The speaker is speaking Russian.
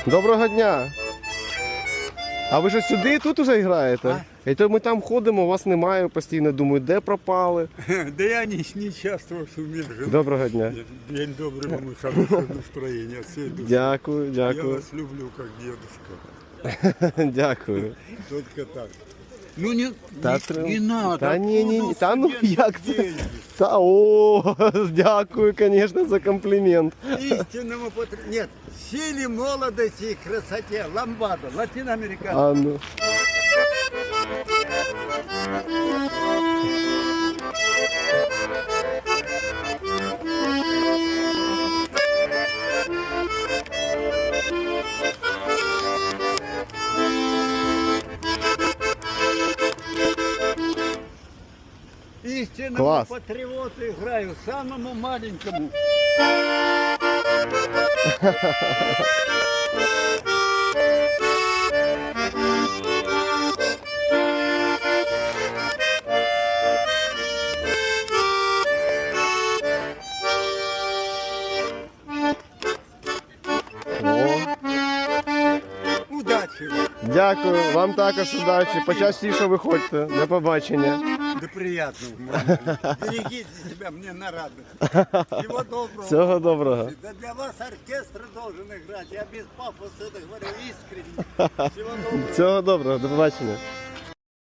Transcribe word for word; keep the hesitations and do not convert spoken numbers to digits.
Доброго дня. А ви що сюди і тут уже граєте? І то ми там ходимо, вас немає постійно. Думаю, де пропали? Да я не, не часто шумел. Доброго дня. День добрый, вам и хорошего настроения. От всей души. Дякую, Я дякую. вас люблю, как дедушка. Дякую. Только так. Ну не, Та, не, трим- не надо. Та ні, ні, ні. Откуда Та ну студентам як це? деньги? Та о, дякую, звісно, за комплімент. Истинному патри... Нет, силе молодости и красоте. Ламбада, латиноамериканский. А ну. Истинному Класс. патриоту играю, самому маленькому. О, Удачи вам. дякую, вам також удачі. Почастіше виходьте. До побачення. Да приятного. может быть. Берегите себя, мне на радость. Всего доброго. Всього доброго. Да для вас оркестр должен играть. Я без пафоса это говорю искренне. Всего доброго. Всього доброго, до побачення.